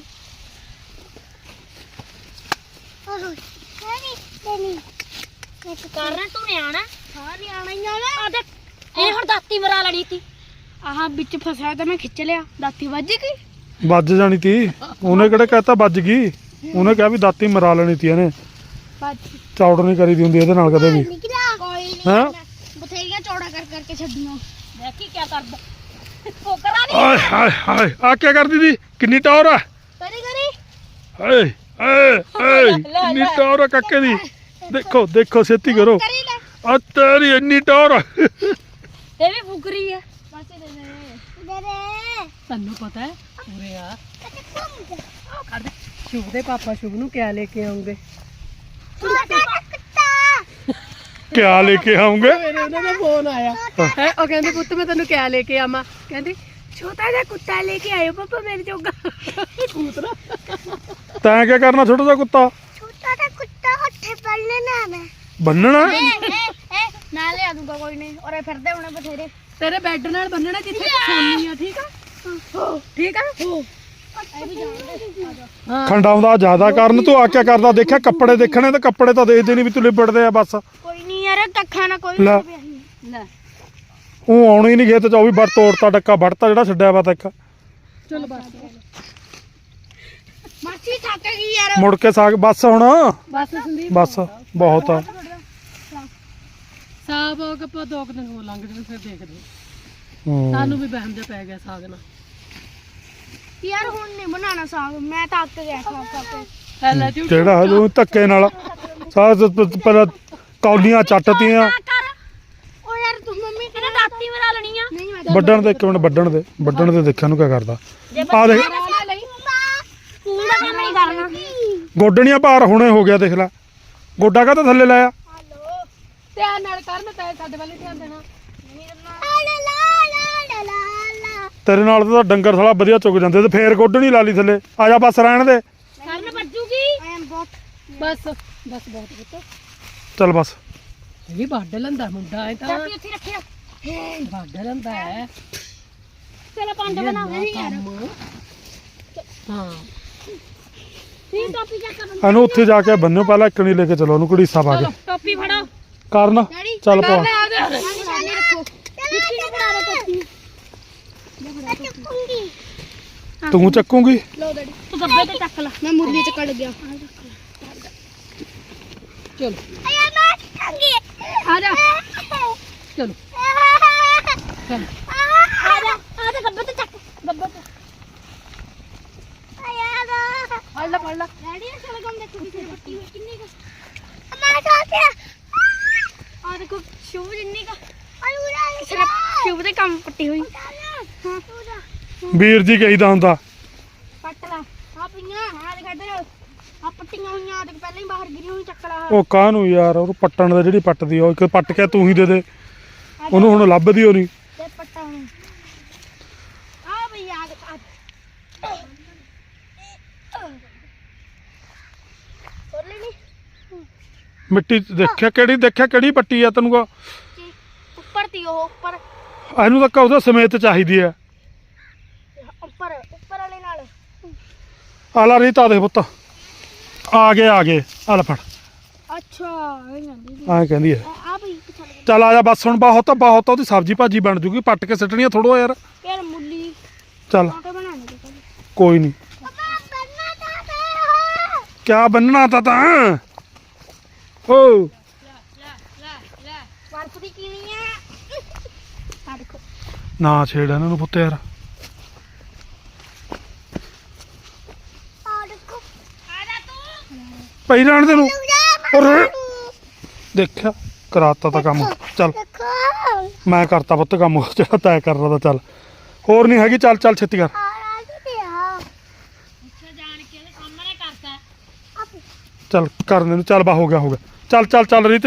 Speaker 2: ਕਰਨਾ ਤੂੰ ਨਿਆਣਾ ਹਾਂ ਨਿਆਣਾ ਹੀ ਆ ਦੇਖ ਇਹ ਹੁਣ ਦਾਤੀ ਮਰਾ ਲੈਣੀ ਤੀ ਆਹ ਵਿੱਚ ਫਸਿਆ ਤਾਂ ਮੈਂ ਖਿੱਚ ਲਿਆ ਦਾਤੀ ਵੱਜ ਗਈ
Speaker 1: ਵੱਜ ਜਾਣੀ ਤੀ ਉਹਨੇ ਕਿਹੜਾ ਕਹਿਤਾ ਵੱਜ ਗਈ ਉਹਨੇ ਕਿਹਾ ਵੀ ਦਾਤੀ ਮਰਾ ਲੈਣੀ ਤੀ ਇਹਨੇ
Speaker 2: ਵੱਜ
Speaker 1: ਚੌੜ ਨਹੀਂ ਕਰੀ ਦੀ ਹੁੰਦੀ ਇਹਦੇ ਨਾਲ ਕਦੇ ਵੀ
Speaker 2: ਕੋਈ ਨਹੀਂ
Speaker 1: ਹੈਂ
Speaker 2: ਬਥੇਰੀਆਂ ਚੌੜਾ ਕਰਕੇ ਛੱਡੀਆਂ ਦੇਖੀ ਕੀ ਕਰਦਾ ਕੋਕਰਾ ਨਹੀਂ
Speaker 1: ਆਏ ਹਾਏ ਹਾਏ ਆ ਕੀ ਕਰਦੀ ਦੀ ਕਿੰਨੀ ਟੌਰ ਆ
Speaker 2: ਕਰੀ ਕਰੀ
Speaker 1: ਹਾਏ ਹਾਏ ਹਾਏ ਕਿੰਨੀ ਟੌਰ ਆ ਕਾਕੇ ਦੀ ਦੇਖੋ ਦੇਖੋ ਛੇਤੀ ਕਰੋ
Speaker 2: ਕਰੀ ਲੈ
Speaker 1: ਆ ਤੇਰੀ ਇੰਨੀ ਟੌਰ ਆ
Speaker 2: ਇਹ ਵੀ ਫੁਕਰੀ ਆ ਮਾਸੀ ਦੇ ਦੇ
Speaker 4: ਤੁਹਾਨੂੰ ਪਤਾ ਹੈ ਪੂਰੇ ਆ ਸ਼ੁਭ ਦੇ ਪਾਪਾ ਸ਼ੁਭ ਨੂੰ ਕਿਆ ਲੈ ਕੇ ਆਉਂਗੇ
Speaker 1: ਕਿਆ ਲੈ ਕੇ ਆਉਂਗੇ
Speaker 4: ਮੇਰੇ ਉਹਨਾਂ ਦਾ ਫੋਨ ਆਇਆ ਹੈ ਉਹ ਕਹਿੰਦੇ ਪੁੱਤ ਮੈਂ ਤੈਨੂੰ ਕਿਆ ਲੈ ਕੇ ਆਵਾਂ ਕਹਿੰਦੀ ਛੋਟਾ ਜਿਹਾ ਕੁੱਤਾ ਲੈ ਕੇ ਆਇਓ ਪਾਪਾ ਮੇਰੇ ਜੋਗਾ ਕੂਤਰਾ
Speaker 1: ਤੈਂ ਕੀ ਕਰਨਾ ਛੋਟਾ ਜਿਹਾ ਕੁੱਤਾ
Speaker 3: ਛੋਟਾ ਜਿਹਾ ਕੁੱਤਾ ਹੱਥੇ ਪੜਨੇ ਨਾ ਮੈਂ
Speaker 1: ਬੰਨਣਾ
Speaker 2: ਮੈਂ ਲਿਆ ਦੂੰਗਾ ਕੋਈ ਨਹੀਂ ਔਰੇ ਫਿਰਦੇ ਹੋਣੇ ਬਥੇਰੇ
Speaker 4: ਤੇਰੇ ਬੈੱਡ ਨਾਲ ਬੰਨਣਾ ਜਿੱਥੇ ਤੂੰ ਸੌਂਦੀ ਆ ਠੀਕ ਆ ਠੀਕ ਆ
Speaker 2: ਇਹ ਵੀ ਜਾਣਦੇ
Speaker 4: ਹਾਂ
Speaker 1: ਖੰਡਾਉਂਦਾ ਜ਼ਿਆਦਾ ਕਰਨ ਤੂੰ ਆ ਕਿਆ ਕਰਦਾ ਦੇਖਿਆ ਕੱਪੜੇ ਦੇਖਣੇ ਤੇ ਕੱਪੜੇ ਤਾਂ ਦੇਖਦੇ ਨਹੀਂ ਵੀ ਤੂੰ ਲਿਬੜਦੇ ਆ ਬਸ
Speaker 2: ਕੋਈ ਨਹੀਂ ਯਾਰ ਕੱਖਾਂ ਨਾ ਕੋਈ
Speaker 1: ਲੈ।
Speaker 4: ਲੈ
Speaker 1: ਉਹ ਆਉਣੀ ਨਹੀਂ ਖੇਤ ਚ ਉਹ ਵੀ ਵੜ ਤੋੜਤਾ ਡੱਕਾ ਵੜਤਾ ਜਿਹੜਾ ਛੱਡਿਆ ਵਾ ਤਾਂ ਇੱਕ
Speaker 4: ਚਲ ਬਸ
Speaker 2: ਮਾਸੀ ਥੱਕ ਗਈ ਯਾਰ
Speaker 1: ਮੁੜ ਕੇ ਸਾਗ ਬਸ ਹੁਣ
Speaker 4: ਬਸ ਸੰਦੀਪ
Speaker 1: ਬਸ ਬਹੁਤ ਆ
Speaker 4: ਸਾਬ ਹੋ ਕੇ ਆਪਾਂ 2 ਦਿਨ ਹੋ ਲੰਘ ਜਾਣ ਫਿਰ ਦੇਖਦੇ
Speaker 1: ਹੂੰ।
Speaker 4: ਸਾਨੂੰ ਵੀ ਵਹਿਮ ਜਿਹਾ ਪੈ ਗਿਆ ਸਾਗ ਨਾਲ
Speaker 2: ਯਾਰ ਹੁਣ ਨਹੀਂ ਬਣਾਉਣਾ ਸਾਗ ਮੈਂ ਤਾਂ ਅੱਕ ਗਿਆ ਖਾ ਖਾ ਕੇ
Speaker 4: ਪਹਿਲਾਂ ਝੂਠ
Speaker 1: ਕਿਹੜਾ ਹਜੂ ਧੱਕੇ ਨਾਲ ਸਾਗ ਪਹਿਲਾਂ ਕੌਲੀਆਂ ਚੱਟਤੀਆਂ
Speaker 2: ਕਰ ਉਹ ਯਾਰ ਤੂੰ ਮੰਮੀ ਕਹਿੰਦਾ ਦਾਤੀ ਮਰਾ ਲੈਣੀ ਆ ਨਹੀਂ ਮੈਂ
Speaker 1: ਵੱਢਣ ਦੇ ਇੱਕ ਮਿੰਟ ਵੱਢਣ ਦੇ ਦੇਖਿਆ ਨੂੰ ਕਿਆ ਕਰਦਾ ਆ ਦੇਖ
Speaker 2: ਸਕੂਲ ਦਾ ਕੰਮ ਨਹੀਂ ਕਰਨਾ
Speaker 1: ਗੋਡਣੀਆਂ ਭਾਰ ਹੁਣੇ ਹੋ ਗਿਆ ਦੇਖ ਲੈ ਗੋਡਾ ਕਾਹਤੇ ਥੱਲੇ ਲਾਇਆ
Speaker 4: ਧਿਆਨ ਨਾਲ ਕਰ ਮੈਂ ਤਾਂ ਸਾਡੇ ਵੱਲ ਹੀ ਧਿਆਨ ਦੇਣਾ
Speaker 3: ਲਾ ਲਾ ਲਾ ਲਾ ਲਾ ਲਾ
Speaker 1: ਤੇਰੇ ਨਾਲ ਤਾਂ ਡੰਗਰ ਸਾਲਾ ਵਧੀਆ ਚੁੱਕ ਜਾਂਦੇ ਤੇ ਫੇਰ ਗੋਡਣੀ ਲਾ ਲਈ ਥੱਲੇ ਆ ਜਾ ਬਸ ਰਹਿਣ ਦੇ
Speaker 2: ਕਰਨ ਵੱਜੂਗੀ
Speaker 4: ਬਸ ਬਸ ਬਹੁਤ ਪੁੱਤ
Speaker 1: ਚੱਲ ਬਸ
Speaker 4: ਇਹ ਵੀ ਵੱਢ ਲੈਂਦਾ ਮੁੰਡਾ ਇਹ ਤਾਂ
Speaker 2: ਚਾਬੀ ਉੱਥੇ ਰੱਖਿਆ
Speaker 4: ਵੱਢ ਲੈਂਦਾ ਹੈ
Speaker 2: ਚਲੋ ਪੰਡ ਬਣਾਉਂਦੇ ਨਹੀਂ ਯਾਰ
Speaker 4: ਹਾਂ
Speaker 2: ਤੀ ਟੋਪੀ ਚੱਕ
Speaker 1: ਇਹਨੂੰ ਉੱਥੇ ਜਾ ਕੇ ਬੰਨਿਓ ਪਹਿਲਾਂ ਇੱਕ ਨਹੀਂ ਲੈ ਕੇ ਚਲੋ ਉਹਨੂੰ ਘੜੀਸਾ ਪਾ ਕੇ
Speaker 2: ਟੋਪੀ ਫੜੋ
Speaker 1: ਕਰਨ ਚੱਲ ਪਾ
Speaker 2: ਨਿਸ਼ਾਨੀ ਰੱਖੋ ਮਿੱਟੀ ਨੂੰ ਫੜਾ ਦੋ ਟੋਪੀ
Speaker 3: ਚੱਕੂੰਗੀ
Speaker 1: ਤੂੰ ਚੱਕੂਗੀ
Speaker 2: ਲੋ ਡੈਡੀ ਤੂੰ ਗੱਬੇ ਤੇ ਚੱਕ ਲੈ ਮੈਂ ਮੁਰਲੀ ਚ ਕੱਢ ਗਿਆ
Speaker 4: ਚਲੋ
Speaker 3: ਆਇਆ ਮੈਂ ਚੱਕਾਂਗੀ
Speaker 2: ਆ ਜਾ
Speaker 4: ਚਲੋ ਚਲੋ
Speaker 2: ਆ ਜਾ ਗੱਬੇ ਤੇ ਚੱਕ ਗੱਬੇ ਤੇ
Speaker 3: ਆਇਆ ਦਾ
Speaker 2: ਫੜ ਲੈ ਡੈਡੀ ਇਹ ਸ਼ਲਗਮ ਦੇਖੋ ਕਿਸੇ ਪੱਟੀ ਹੋਈ ਕਿੰਨੀ ਕੁ
Speaker 3: ਮੈਂ ਸੋਚਿਆ
Speaker 2: ਆ ਦੇਖੋ ਸ਼ੁਭ ਜਿੰਨੀ ਕਾ
Speaker 3: ਆਲੂਰਾ
Speaker 2: ਕਿਸੇ ਨੇ ਸ਼ੁਭ ਦੇ ਕੰਮ ਪੱਟੀ ਹੋਈ
Speaker 3: ਹਾਂ
Speaker 1: ਵੀਰ ਜੀ ਕਹੀਦਾ ਹੁੰਦਾ
Speaker 2: ਪੱਟ ਲਾ ਆ ਪਈਆਂ ਆ ਦੇਖ ਇੱਧਰ ਆ ਪੱਟੀਆਂ ਹੋਈਆਂ ਆ ਦੇਖ ਪਹਿਲਾਂ ਹੀ ਬਾਹਰ ਗਿਰੀ ਹੋਈ ਚੱਕ ਲਾ
Speaker 1: ਉਹ ਕਾਹਨੂੰ ਯਾਰ ਉਹਨੂੰ ਪੱਟਣ ਦਾ ਜਿਹੜੀ ਪੱਟਦੀ ਆ, ਉਹ ਇੱਕ ਪੱਟ ਕੇ ਤੂੰ ਹੀ ਦੇ ਦੇ ਉਹਨੂੰ ਹੁਣ ਲੱਭਦੀ ਹੋ ਨਹੀਂ
Speaker 2: ਤੇ ਪੱਟਾ ਹੁਣ ਆ ਬਈ ਆ ਦੇਖ ਹੋਰ ਲੈ ਨੀ
Speaker 1: ਮਿੱਟੀ ਦੇਖਿਆ ਕਿਹੜੀ ਪੱਟੀ ਆ ਤੈਨੂੰ ਕੋ
Speaker 2: ਕੀ ਉੱਪਰ ਤੀ ਉਹ ਉੱਪਰ
Speaker 1: ਇਹਨੂੰ ਤਾਂ ਉਹਦਾ ਸਮੇਤ ਚਾਹੀਦੀ ਆ
Speaker 2: ਉੱਪਰ ਵਾਲੇ ਨਾਲ
Speaker 1: ਆਲਾ ਰੀਤਾ ਦੇ ਪੁੱਤ ਆ ਗਏ ਆ ਲੈ ਫੜ
Speaker 2: ਅੱਛਾ ਇਹ ਜਾਂਦੀ
Speaker 1: ਐਂ ਕਹਿੰਦੀ ਐ
Speaker 2: ਆ ਬਈ ਪਿੱਛੇ ਲੱਗ
Speaker 1: ਚੱਲ ਆ ਜਾ ਬਸ ਹੁਣ ਬਹੁਤ ਉਹਦੀ ਸਬਜ਼ੀ ਭਾਜੀ ਬਣ ਜੂਗੀ ਪੱਟ ਕੇ ਸਿੱਟਣੀ ਆ ਥੋੜੋ ਯਾਰ
Speaker 2: ਯਾਰ ਮੁੱਲੀ
Speaker 1: ਚੱਲ
Speaker 2: ਆਟੇ ਬਣਾਣੇ ਦੇ ਪਹਿਲੇ
Speaker 1: ਕੋਈ ਨਹੀਂ
Speaker 3: ਪਾਪਾ ਬੰਨਾ ਤਾਂ ਹੋ
Speaker 1: ਕਿਆ ਬੰਨਣਾ ਤਾਂ ਓ
Speaker 2: ਬਰਫ ਦੀ ਕੀਣੀ ਆ ਦੇਖੋ
Speaker 1: ਨਾ ਛੇੜ ਇਹਨਾਂ ਨੂੰ ਪੁੱਤ ਯਾਰ
Speaker 3: ਆ ਦੇਖੋ
Speaker 2: ਆ ਜਾ ਤੂੰ
Speaker 1: ਪਈ ਰਹਿਣ ਦੇ ਨੂੰ ਔਰ
Speaker 3: ਦੇਖੋ
Speaker 1: ਦੇਖਿਆ ਕਰਾਤਾ ਤਾਂ ਕੰਮ ਚੱਲ ਮੈਂ ਕਰਤਾ ਪੁੱਤ ਕੰਮ ਜਿਹੜਾ ਤੈਅ ਕਰ ਰਹਾ ਤਾਂ ਚੱਲ ਹੋਰ ਨਹੀਂ ਹੈਗੀ ਚੱਲ ਛੇਤੀ ਕਰ
Speaker 3: ਆ ਰਾਜੀ ਤੇ ਆ
Speaker 2: ਉੱਥੇ ਜਾਣ ਕੇ ਉਹਦੇ ਸਾਹਮਣੇ ਕਰਤਾ
Speaker 1: ਚੱਲ ਕਰਨ ਨੂੰ ਚੱਲ ਬਾ ਹੋ ਗਿਆ ਚੱਲ ਰੀਤ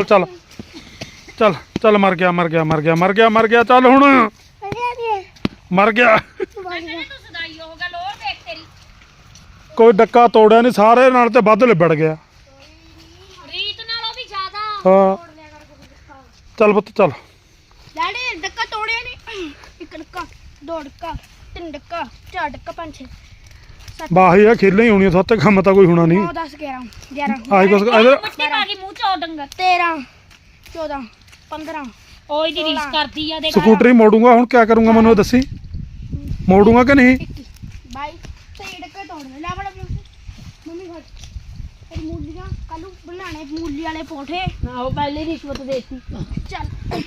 Speaker 1: ਚੱਲ ਮਰ ਗਿਆ ਚੱਲ ਹੁਣ ਮਰ ਗਿਆ
Speaker 2: ਤੂੰ ਸਦਾਈ ਹੋ ਗਿਆ ਲੋਰ ਦੇਖ ਤੇਰੀ
Speaker 1: ਕੋਈ ਡੱਕਾ ਤੋੜਿਆ ਨਹੀਂ ਸਾਰੇ ਨਾਲ ਤੇ ਵੱਧ ਲਿਬੜ ਗਿਆ
Speaker 2: ਰੀਤ ਨਾਲੋਂ ਵੀ ਜ਼ਿਆਦਾ
Speaker 1: ਹਾਂ ਚੱਲ ਪੁੱਤ ਚੱਲ
Speaker 2: ਡੈਡੀ ਡੱਕਾ ਤੋੜਿਆ ਨਹੀਂ ਇੱਕ ਡੱਕਾ ਦੋ ਡੱਕਾ ਤਿੰਨ ਡੱਕਾ ਚਾਰ ਡੱਕਾ ਪੰਜ ਛੇ
Speaker 1: ਬਾਹੀ ਆ ਖੇਲਾਂ ਹੀ ਹੋਣੀਆਂ ਸੱਤ ਕੰਮ ਤਾਂ ਕੋਈ ਹੋਣਾ ਨਹੀਂ
Speaker 2: 9 10 11
Speaker 1: ਆਈ ਕੁਛ ਇਧਰ
Speaker 2: ਮਿੱਟੀ ਪਾ ਗਈ ਮੂੰਹ ਚ ਉਹ ਡੰਗਰ 13 14 15 ਓਏ ਦੀ ਰੀਸ ਕਰਦੀ ਆ ਦੇਖ
Speaker 1: ਸਕੂਟਰੀ ਮੋੜੂੰਗਾ ਹੁਣ ਕਿਆ ਕਰੂੰਗਾ ਮੈਨੂੰ ਇਹ ਦੱਸੀ ਮੋੜੂੰਗਾ ਕਿ ਨਹੀਂ
Speaker 2: 22 ਤੇ ਡੱਕਾ ਤੋੜਨੇ ਲੈ ਬੜਾ ਮੰਮੀ ਫੜ ਇਹ ਮੂਲੀਆਂ ਕੱਲੂ ਬਣਾਣੇ ਮੂਲੀ ਵਾਲੇ ਪੋਠੇ
Speaker 4: ਨਾ ਉਹ ਪਹਿਲੇ ਰਿਸ਼ਵਤ ਦੇਤੀ
Speaker 2: ਚੱਲ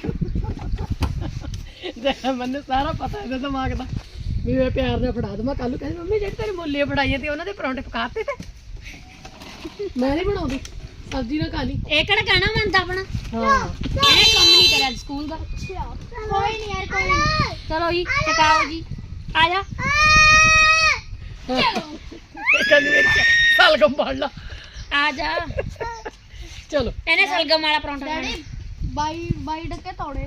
Speaker 4: ਮੈਨੂੰ ਸਾਰਾ ਪਤਾ ਇਹਦਾ ਦਿਮਾਗ ਦਾ ਵੀ ਮੈਂ ਪਿਆਰ ਨਾਲ ਫੜਾ ਦਵਾਂ ਕੱਲ ਨੂੰ ਕਹਿੰਦੀ ਮੰਮੀ ਜਿਹੜੀ ਤੇਰੀ ਮੁੱਲੀਆਂ ਫੜਾਈਆਂ ਤੇ ਉਹਨਾਂ ਦੇ ਪਰੌਂਠੇ ਪਕਾਤੇ ਤੇ ਮੈਂ ਨਹੀਂ ਬਣਾਉਂਦੀ ਸਬਜ਼ੀ ਨਾਲ ਖਾ ਲਈ
Speaker 2: ਇਹ ਕਿਹੜਾ ਕਹਿਣਾ ਮੰਨਦਾ ਆਪਣਾ
Speaker 4: ਹਾਂ
Speaker 2: ਇਹਨੇ ਕੰਮ ਨਹੀਂ ਕਰਿਆ ਸਕੂਲ ਦਾ ਕੋਈ ਨਹੀਂ ਯਾਰ ਕੋਈ ਨੀ। ਚਲੋ ਜੀ ਟਕਾਓ ਜੀ ਆ ਜਾ
Speaker 4: ਕਹਿੰਦੀ ਮੇਰੀ ਸਲਗਮ ਫੜ ਲਾ
Speaker 2: ਆ ਜਾ
Speaker 4: ਚਲੋ
Speaker 2: ਇਹਨੇ ਸਲਗਮ ਵਾਲਾ ਪਰੌਂਠਾ ਖਾਣਾ 22 ਡੱਕੇ ਤੋੜੇ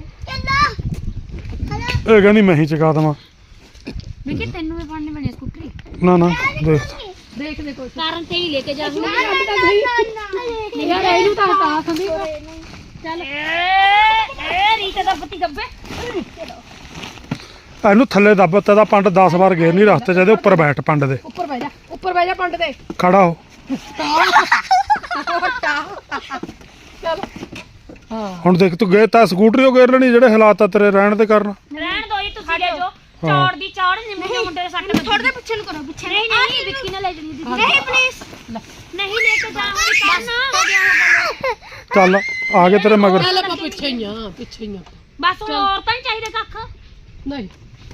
Speaker 1: ਇਹ ਕਹਿੰਦੀ ਮੈਂ ਹੀ ਚਕਾ ਦੇਵਾਂ
Speaker 2: ਵਿਕੀ ਤੈਨੂੰ ਵੀ ਫੜਨੀ ਬਣੀ ਸਕੂਟਰੀ
Speaker 1: ਨਾ ਦੇਖ
Speaker 4: ਦੇਖਦੇ ਕੋਈ
Speaker 2: ਕਾਰਨ ਤੇ ਹੀ ਲੈ ਕੇ ਜਾ ਹੁਣ
Speaker 4: ਯਾਰ ਇਹਨੂੰ ਤਾਂ ਹਟਾ ਸੰਦੀ
Speaker 2: ਚੱਲ ਇਹ ਰੀਤ ਦਾ ਪਤੀ ਗੱਬੇ
Speaker 1: ਇਹਨੂੰ ਥੱਲੇ ਦੱਬ ਤੇ ਦਾ ਪੰਡ 10 ਵਾਰ ਗੇਰ ਨਹੀਂ ਰਸਤੇ ਚ ਇਹਦੇ ਉੱਪਰ ਬੈਠ ਪੰਡ ਦੇ
Speaker 4: ਉੱਪਰ ਬਹਿ ਜਾ ਪੰਡ ਤੇ
Speaker 1: ਖੜਾ ਹੋ
Speaker 4: ਚਲੋ ਹਾਂ
Speaker 1: ਹੁਣ ਦੇਖ ਤੂੰ ਗਏ ਤਾਂ ਸਕੂਟਰੀ ਉਹ ਗੇਰ ਲੈਣੀ ਜਿਹੜੇ ਹਾਲਾਤ ਆ ਤੇਰੇ ਰਹਿਣ ਦੇ ਕਾਰਨ
Speaker 2: ਰਹਿਣ ਦੋ ਜੀ ਤੁਸੀਂ ਲੈ ਜਾਓ ਚੌੜ ਦੀ ਚੌੜ ਨਿੰਮੇ ਦੇ ਮੁੰਡੇ ਦੇ ਸੱਟ ਵੱਜੀ ਥੋੜੇ ਦੇ ਪਿੱਛੇ ਨੂੰ ਕਰੋ ਪਿੱਛੇ ਨਹੀਂ ਵਿੱਕੀ ਨੇ ਲੈ ਜਣੀ ਨਹੀਂ ਪਲੀਜ਼ ਨਹੀਂ ਲੈ ਕੇ ਜਾਵਾਂਗੀ ਕਰਨਾ
Speaker 1: ਚੱਲ ਆ ਗਏ ਤੇਰੇ ਮਗਰ
Speaker 4: ਚੱਲ ਆਪਾਂ ਪਿੱਛੇ ਹੀ ਆ
Speaker 2: ਬਸ ਹੁਣ ਹੋਰ ਤਾਂ ਨਹੀਂ ਚਾਹੀਦੇ ਕੱਖ
Speaker 4: ਨਹੀਂ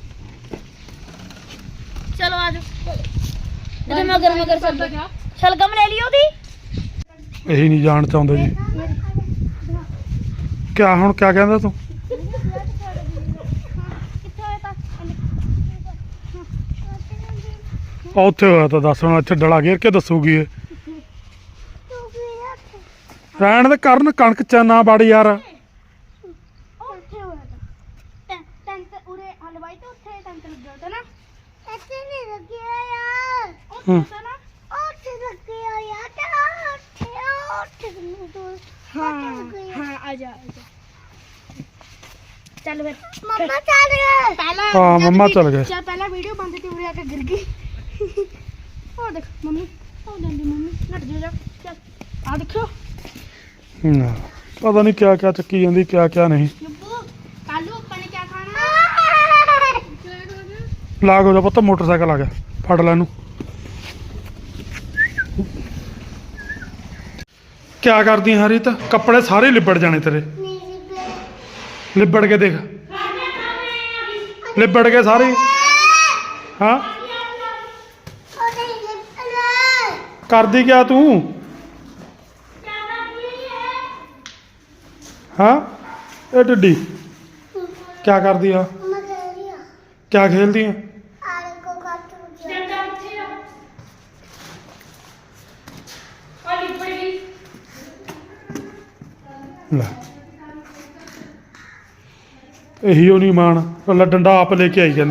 Speaker 2: ਚਲੋ ਆ ਜਾਓ ਇਹਦੇ ਮਗਰ ਸ਼ਲਗਮ ਲੈ ਲਈ ਉਹਦੀ
Speaker 1: ਇਹੀ ਨਹੀਂ ਜਾਣ ਚਾਹੁੰਦੇ ਜੀ ਕਿਆ ਹੁਣ ਕਿਆ ਕਹਿੰਦਾ ਤੂੰ ਉੱਥੇ ਹੋਇਆ ਤਾਂ ਦੱਸ ਹੁਣ ਇੱਥੇ ਡਲਾ ਘੇਰ ਕੇ ਦੱਸੂਗੀ ਇਹ ਰਹਿਣ ਦੇ ਕਰਨ ਕਣਕ ਚ ਨਾ ਵੜ ਯਾਰ
Speaker 2: ਉੱਥੇ ਹੋਇਆ ਤਾਂ ਟੈਂਟ ਉਰੇ ਹਲਵਾਈ ਤੇ ਉੱਥੇ ਟੈਂਟ ਲੱਗੇ
Speaker 1: ਹੂੰ
Speaker 3: ਉੱਥੇ ਲੱਗਿਆ ਯਾਰ ਤਾਂ ਉੱਥੇ
Speaker 2: ਹਾਂ ਆ ਜਾ ਚੱਲ ਫਿਰ
Speaker 3: ਮੰਮਾ ਚੱਲ ਗਏ
Speaker 2: ਪਹਿਲਾਂ
Speaker 1: ਹਾਂ ਮੰਮਾ ਚਲ ਗਏ
Speaker 2: ਚੱਲ ਪਹਿਲਾਂ ਵੀਡੀਓ ਬੰਦ ਤੇ ਉਰੇ ਆ ਕੇ ਗਿਰ ਗਈ ਆ ਦੇਖ ਮੰਮੀ ਹੋ ਜਾਂਦੀ ਮੰਮੀ ਨੱਟ ਜਾ ਚੱਲ ਆ ਦੇਖਿਓ
Speaker 1: ਨਾ ਪਤਾ ਨਹੀਂ ਕਿਆ ਕਿਆ ਚੱਕੀ ਜਾਂਦੀ ਕਿਆ ਕਿਆ ਨਹੀਂ
Speaker 2: ਯੱਬੂ ਕੱਲੂ ਆਪਾਂ ਨੇ ਕੀ ਖਾਣਾ
Speaker 1: ਲਾਗ ਹੋ ਜਾ ਪੁੱਤ ਮੋਟਰਸਾਈਕਲ ਆ ਗਿਆ ਫੜ ਲੈ ਇਹਨੂੰ ਕਿਆ ਕਰਦੀ ਹਰੀਤ ਕੱਪੜੇ ਸਾਰੇ ਲਿਬੜ ਜਾਣੇ ਤੇਰੇ ਲਿਬੜ ਕੇ ਦੇਖ ਲਿਬੜ ਕੇ ਸਾਰੇ ਹਾਂ ਕਰਦੀ ਕਿਆ ਤੂੰ ਹਾਂ ਇਹ ਟਿੱਡੀ ਕਿਆ ਕਰਦੀ ਆ ਕਿਆ ਖੇਲਦੀ ਆ ਲੈ ਇਹੀ ਉਹ ਨਹੀਂ ਮਾਣ ਪਹਿਲਾਂ ਡੰਡਾ ਆਪ ਲੈ ਕੇ ਆਈ ਜਾਂਦੀ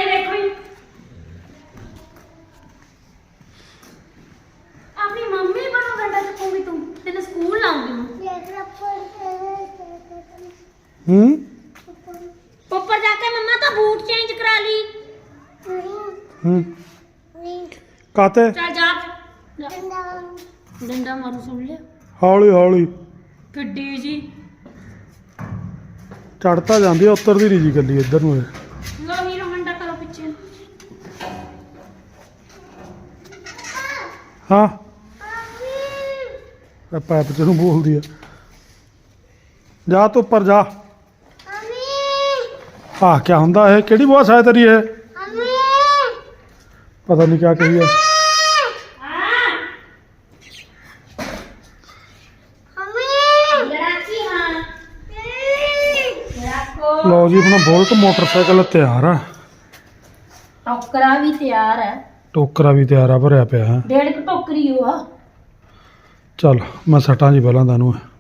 Speaker 2: ਆਪਣੀ ਮੰਮੀ ਬਣੋ ਡੰਡਾ ਚੱਕੂਗੀ ਤੂੰ ਤੈਨੂੰ ਸਕੂਲ ਲਾਉਂਗੀ
Speaker 1: ਹੂੰ
Speaker 2: ਉੱਪਰ ਜਾ ਕੇ ਮੰਮਾ ਤਾਂ ਬੂਟ ਚੇਂਜ ਕਰਾ ਲਈ
Speaker 1: ਹੂੰ ਕਾਤੇ
Speaker 2: ਚੱਲ ਜਾ ਡੰਡਾ ਮਾਰੂ ਸੁਣ ਲਿਆ
Speaker 1: ਹੌਲੀ ਹੌਲੀ
Speaker 2: ਗੱਡੀ ਜੀ
Speaker 1: ਚੜਤਾ ਜਾਂਦੀ ਆ ਉਤਰਦੀ ਨਹੀਂ ਜੀ ਗੱਲੀ ਇੱਧਰ ਨੂੰ ਇਹ।
Speaker 2: ਲੋ ਹੀਰੋ ਹੰਡਾ ਕਰੋ ਪਿੱਛੇ
Speaker 1: ਹਾਂ ਇਹ ਪਾਈਪ ਚ ਨੂੰ ਬੋਲਦੀ ਆ ਜਾ ਤੂੰ ਉੱਪਰ ਜਾ ਆਹ ਕਿਆ ਹੁੰਦਾ ਇਹ ਕਿਹੜੀ ਬਹੁਤ ਸਾਇ ਤੇਰੀ ਇਹ ਪਤਾ ਨਹੀਂ ਕਿਆ ਕਹੀ ਹੈ
Speaker 2: ਲੜਾਕੀ ਹਾਂ ਲੜਾਕੋ
Speaker 1: ਲਓ ਜੀ ਆਪਣਾ ਬੁਲਟ ਮੋਟਰਸਾਈਕਲ ਤਿਆਰ ਆ
Speaker 2: ਟੋਕਰਾ ਵੀ ਤਿਆਰ ਹੈ
Speaker 1: ਟੋਕਰਾ ਵੀ ਤਿਆਰ ਆ ਭਰਿਆ ਪਿਆ ਹੈ
Speaker 2: ਡੇਢ ਕੁ ਟੋਕਰੀ ਉਹ ਆ
Speaker 1: ਚੱਲ ਮੈਂ ਸਟਾਂ ਜੀ ਪਹਿਲਾਂ ਤੁਹਾਨੂੰ